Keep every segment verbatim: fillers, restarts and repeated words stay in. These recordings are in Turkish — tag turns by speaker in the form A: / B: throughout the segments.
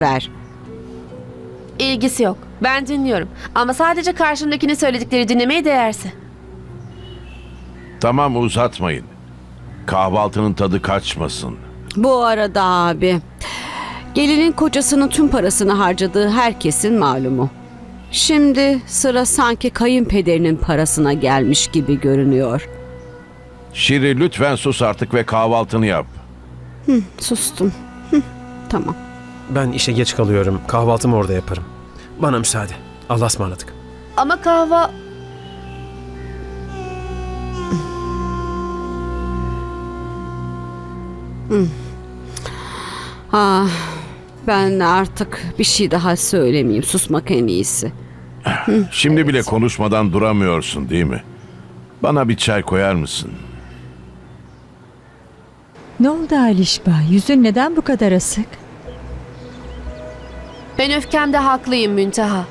A: ver.
B: İlgisi yok. Ben dinliyorum. Ama sadece karşımdakinin söyledikleri dinlemeye değerse.
C: Tamam, uzatmayın. Kahvaltının tadı kaçmasın.
A: Bu arada abi, gelinin kocasının tüm parasını harcadığı herkesin malumu. Şimdi sıra sanki kayınpederinin parasına gelmiş gibi görünüyor.
C: Şiri, lütfen sus artık ve kahvaltını yap.
A: Sustum. Hı, tamam.
D: Ben işe geç kalıyorum. Kahvaltımı orada yaparım. Bana müsaade. Allah'a ısmarladık.
B: Ama kahva...
A: Ah, ben artık bir şey daha söylemeyeyim. Susmak en iyisi.
C: Şimdi bile konuşmadan duramıyorsun, değil mi? Bana bir çay koyar mısın?
E: Ne oldu Alişba? Yüzün neden bu kadar asık?
B: Ben öfkemde haklıyım Münteha.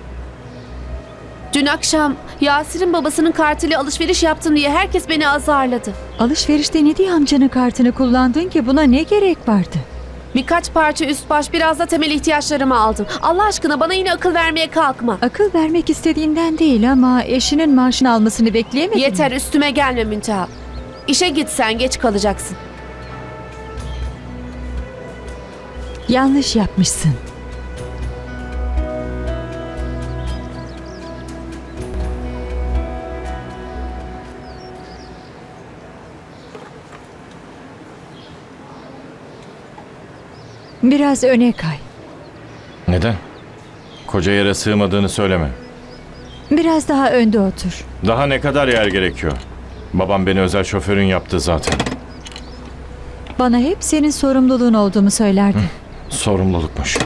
B: Dün akşam Yasir'in babasının kartıyla alışveriş yaptım diye herkes beni azarladı.
E: Alışverişte ne diye amcanın kartını kullandın ki? Buna ne gerek vardı?
B: Birkaç parça üst baş, biraz da temel ihtiyaçlarımı aldım. Allah aşkına bana yine akıl vermeye kalkma.
E: Akıl vermek istediğinden değil ama eşinin maaşını almasını bekleyemedin
B: Yeter,
E: mi?
B: üstüme gelme Münteha. İşe gitsen geç kalacaksın.
E: Yanlış yapmışsın. Biraz öne kay.
F: Neden? Koca yere sığmadığını söyleme.
E: Biraz daha önde otur.
F: Daha ne kadar yer gerekiyor? Babam beni özel şoförün yaptı zaten.
E: Bana hep senin sorumluluğun olduğumu söylerdi.
F: Sorumlulukmuş.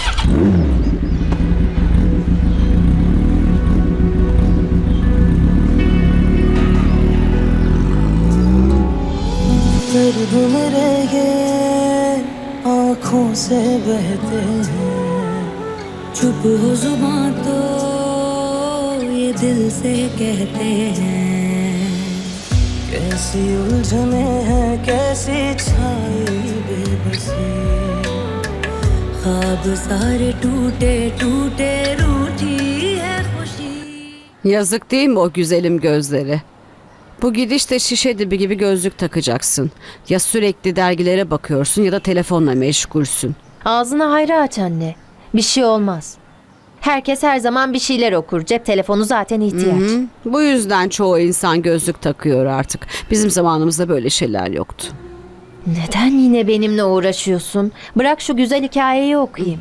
G: दर्द मेरे ये आँखों से बहते हैं चुप हो जुबां तो ये दिल से कहते हैं कैसी उलझने हैं कैसी छाई बेबसी ख्वाब सारे टूटे टूटे रूठी है खुशी.
A: Yazık değil mi o güzelim gözleri? Bu gidişte şişe dibi gibi gözlük takacaksın. Ya sürekli dergilere bakıyorsun ya da telefonla meşgulsün.
H: Ağzını hayra aç anne. Bir şey olmaz. Herkes her zaman bir şeyler okur. Cep telefonu zaten ihtiyaç.
A: Hı, bu yüzden çoğu insan gözlük takıyor artık. Bizim zamanımızda böyle şeyler yoktu.
H: Neden yine benimle uğraşıyorsun? Bırak şu güzel hikayeyi okuyayım.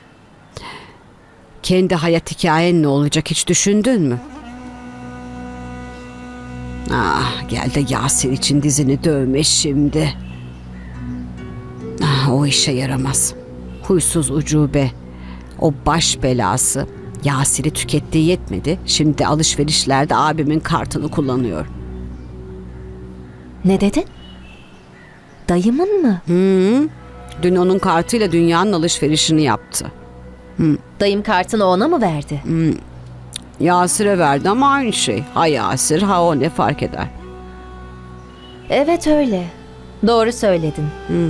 A: Kendi hayat hikayen ne olacak hiç düşündün mü? Ah, gel de Yasir için dizini dövme şimdi. Ah, o işe yaramaz. Huysuz ucube. O baş belası. Yasir'i tükettiği yetmedi. Şimdi alışverişlerde abimin kartını kullanıyor.
H: Ne dedin? Dayımın mı?
A: Hı, dün onun kartıyla dünyanın alışverişini yaptı.
H: Dayım kartını ona mı verdi?
A: Yasir'e verdi ama aynı şey. Ha Yasir ha o, ne fark eder?
H: Evet öyle. Doğru söyledin.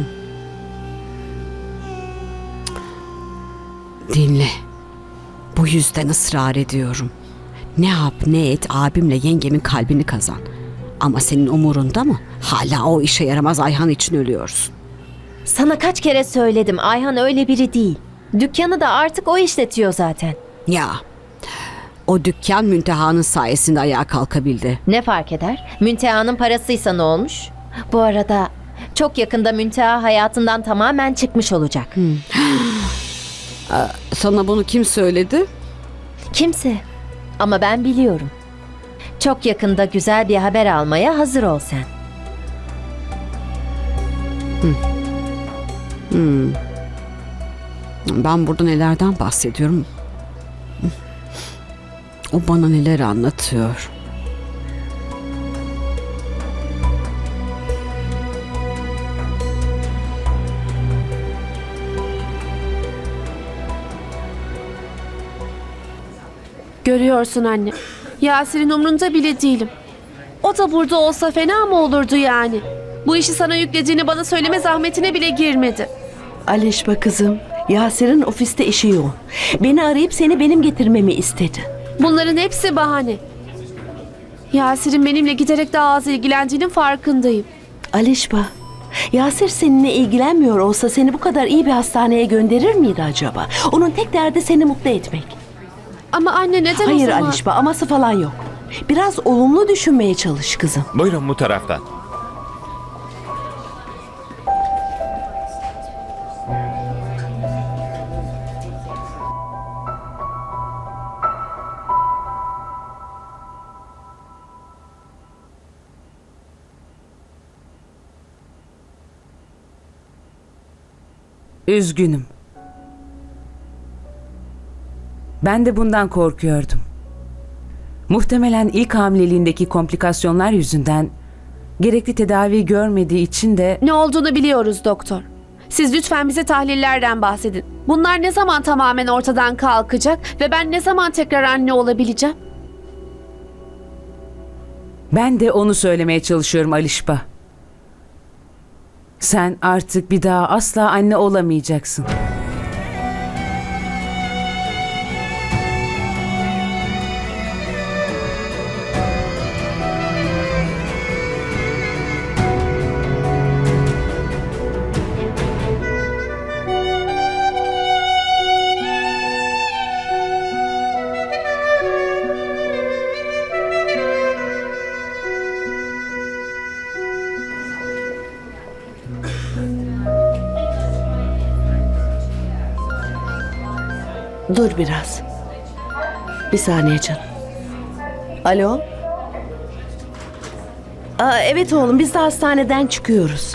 A: Dinle. Bu yüzden ısrar ediyorum. Ne yap ne et abimle yengemin kalbini kazan. Ama senin umurunda mı? Hala o işe yaramaz Ayhan için ölüyorsun.
H: Sana kaç kere söyledim. Ayhan öyle biri değil. Dükkanı da artık o işletiyor zaten.
A: Ya o dükkan Münteha'nın sayesinde ayağa kalkabildi.
H: Ne fark eder? Münteha'nın parasıysa ne olmuş? Bu arada çok yakında Münteha hayatından tamamen çıkmış olacak.
A: Sana bunu kim söyledi?
H: Kimse. Ama ben biliyorum. Çok yakında güzel bir haber almaya hazır ol sen.
A: Ben burada nelerden bahsediyorum? O bana neler anlatıyor.
B: Görüyorsun anne. Yasir'in umrunda bile değilim. O da burada olsa fena mı olurdu yani? Bu işi sana yüklediğini bana söyleme zahmetine bile girmedi.
I: Alişba kızım, Yasir'in ofiste işi yoğun. Beni arayıp seni benim getirmemi istedi.
B: Bunların hepsi bahane. Yasir'in benimle giderek daha az ilgilendiğinin farkındayım.
I: Alişba, Yasir seninle ilgilenmiyor olsa seni bu kadar iyi bir hastaneye gönderir miydi acaba? Onun tek derdi seni mutlu etmek.
B: Ama anne neden
I: Hayır
B: o zaman...
I: Alişba, aması falan yok. Biraz olumlu düşünmeye çalış kızım.
J: Buyurun bu taraftan.
K: Üzgünüm. Ben de bundan korkuyordum. Muhtemelen ilk hamileliğindeki komplikasyonlar yüzünden gerekli tedavi görmediği için de...
B: Ne olduğunu biliyoruz doktor. Siz lütfen bize tahlillerden bahsedin. Bunlar ne zaman tamamen ortadan kalkacak ve ben ne zaman tekrar anne olabileceğim?
K: Ben de onu söylemeye çalışıyorum Alişba. Sen artık bir daha asla anne olamayacaksın.
I: Dur biraz. Bir saniye canım. Alo? Aa, evet oğlum, biz de hastaneden çıkıyoruz.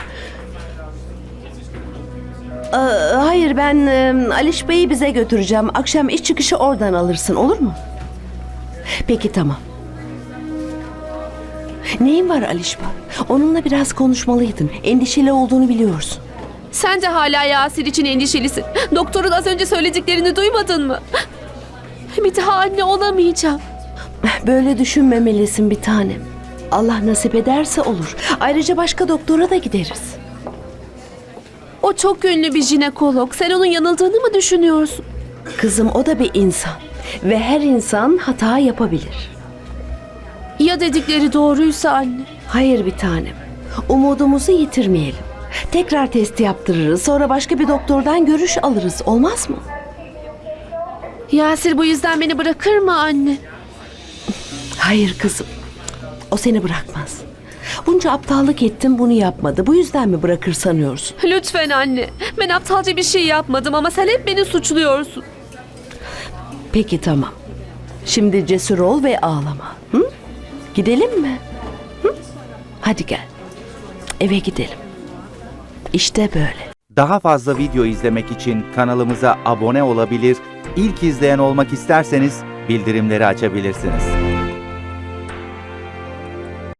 I: Aa, hayır, ben e, Aliş Bey'i bize götüreceğim. Akşam iş çıkışı oradan alırsın, olur mu? Peki, tamam. Neyin var Alişba? Onunla biraz konuşmalıydın. Endişeli olduğunu biliyorsun.
B: Sen de hala Yasir için endişelisin. Doktorun az önce söylediklerini duymadın mı? Bir daha anne olamayacağım.
I: Böyle düşünmemelisin bir tanem. Allah nasip ederse olur. Ayrıca başka doktora da gideriz.
B: O çok ünlü bir jinekolog. Sen onun yanıldığını mı düşünüyorsun?
I: Kızım, o da bir insan. Ve her insan hata yapabilir.
B: Ya dedikleri doğruysa anne?
I: Hayır bir tanem. Umudumuzu yitirmeyelim. Tekrar testi yaptırırız. Sonra başka bir doktordan görüş alırız. Olmaz mı?
B: Yasir bu yüzden beni bırakır mı anne?
I: Hayır kızım. O seni bırakmaz. Bunca aptallık ettim, bunu yapmadı. Bu yüzden mi bırakır sanıyorsun?
B: Lütfen anne. Ben aptalca bir şey yapmadım ama sen hep beni suçluyorsun.
I: Peki tamam. Şimdi cesur ol ve ağlama. Hı? Gidelim mi? Hı? Hadi gel. Eve gidelim. İşte böyle.
L: Daha fazla video izlemek için kanalımıza abone olabilir, ilk izleyen olmak isterseniz bildirimleri açabilirsiniz.